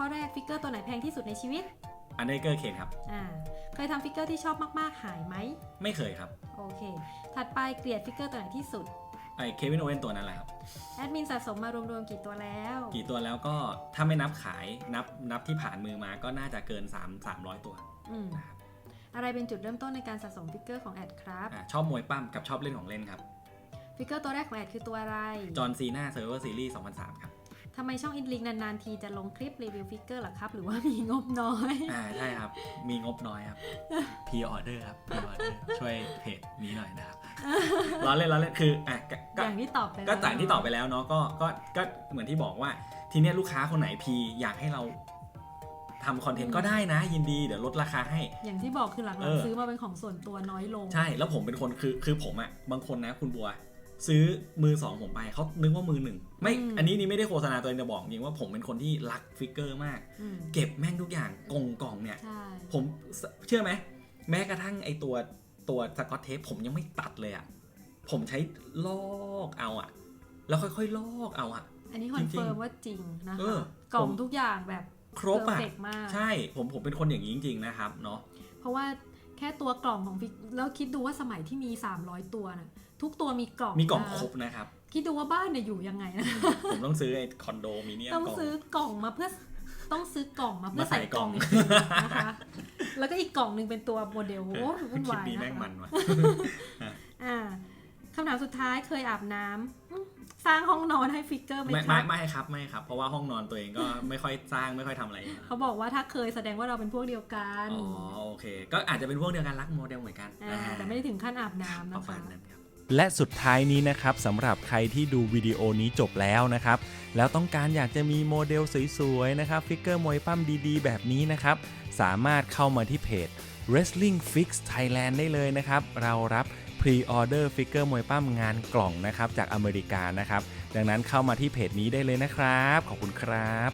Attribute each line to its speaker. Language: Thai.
Speaker 1: ข้อแรกฟิกเกอร์ตัวไหนแพงที่สุดในชีวิต
Speaker 2: อันเดอร์เกอร์เคนครับ
Speaker 1: เคยทำฟิกเกอร์ที่ชอบมากๆหายไหม
Speaker 2: ไม่เคยครับ
Speaker 1: โอเคถัดไปเกลียดฟิกเกอร์ตัวไหนที่สุด
Speaker 2: ไอ้เควินโอเว่นตัวนั้นแหละครับ
Speaker 1: แอดมินสะสมมารวมๆกี่ตัวแล้ว
Speaker 2: ก็ถ้าไม่นับขายนับที่ผ่านมือมาก็น่าจะเกิน300ตัวนะครับ
Speaker 1: อะไรเป็นจุดเริ่มต้นในการสะสมฟิกเกอร์ของแอดครับ
Speaker 2: ชอบมวยปั้มกับชอบเล่นของเล่นครับ
Speaker 1: ฟิกเกอร์ตัวแรกของแอดคือตัวอะไร
Speaker 2: จอห์นซีน่าเซิร์ฟเวอร์ซีรีส์2003ครับ
Speaker 1: ทำไมช่องอินลิงนานๆทีจะลงคลิปรีวิวฟิกเกอร์หรอครับหรือว่ามีงบน้อย
Speaker 2: ใช่ครับมีงบน้อยครับพีออเดอร์ครับพีออเดอร์ช่วยเพจนี้หน่อยนะครับล้อเล่นคือ
Speaker 1: อย่างที่ตอบไปแล้ว
Speaker 2: ก็จากที่ตอบไปแล้วเนาะก็เหมือนที่บอกว่าทีเนี้ยลูกค้าคนไหนพีอยากให้เราทำคอนเทนต์ก็ได้นะยินดีเดี๋ยวลดราคาให้
Speaker 1: อย่างที่บอกคือหลังๆซื้อมาเป็นของส่วนตัวน้อยลง
Speaker 2: ใช่แล้วผมเป็นคนคือผมอะบางคนนะคุณบัวซื้อมือสองผมไปเขานึกว่ามือหนึ่งไม่อันนี้ไม่ได้โฆษณาตัวเองจะบอกจริงว่าผมเป็นคนที่รักฟิกเกอร์มากเก็บแม่งทุกอย่างกล่องเนี่ยผมเชื่อไหมแม้กระทั่งไอตัวสกอตเทปผมยังไม่ตัดเลยอะผมใช้ลอกเอาอะแล้วค่อยๆลอกเอาอะ
Speaker 1: อันนี้คอนเฟิร์มว่าจริงนะคะกล่องทุกอย่างแบบ
Speaker 2: ครบอะใช่ผมเป็นคนอย่างนี้จริงๆนะครับเนาะ
Speaker 1: เพราะว่าแค่ตัวกล่องของฟิกแล้วคิดดูว่าสมัยที่มี300ตัวนะทุกตัวมีกล่อง
Speaker 2: ครบนะครับ
Speaker 1: คิดดูว่าบ้านเนี่ยอยู่ยังไงนะ
Speaker 2: ผมต้องซื้อไอ้คอนโดมิเนียม
Speaker 1: ต้องซื้อกล่องมาเพื่อใส่กล่องนะคะแล้วก็อีกกล่องนึงเป็นตัวโมเดลวุ่นวายนะคะคำถามสุดท้ายเคยอาบน้ำสร้างห้องนอนให้ฟิกเกอร์ไหมครับ
Speaker 2: ไม่ครับเพราะว่าห้องนอนตัวเองก็ไม่ค่อยสร้างไม่ค่อยทำอะไร
Speaker 1: เขาบอกว่าถ้าเคยแสดงว่าเราเป็นพวกเดียวกัน
Speaker 2: อ๋อโอเคก็อาจจะเป็นพวกเดียวกันรักโมเดลเหมือนกัน
Speaker 1: แต่ไม่ได้ถึงขั้นอาบน้ำนะคะ
Speaker 3: และสุดท้ายนี้นะครับสำหรับใครที่ดูวิดีโอนี้จบแล้วนะครับแล้วต้องการอยากจะมีโมเดลสวยๆนะครับฟิกเกอร์มวยปั้มดีๆแบบนี้นะครับสามารถเข้ามาที่เพจ Wrestling Fix Thailand ได้เลยนะครับเรารับพรีออเดอร์ฟิกเกอร์มวยปั้มงานกล่องนะครับจากอเมริกานะครับดังนั้นเข้ามาที่เพจนี้ได้เลยนะครับขอบคุณครับ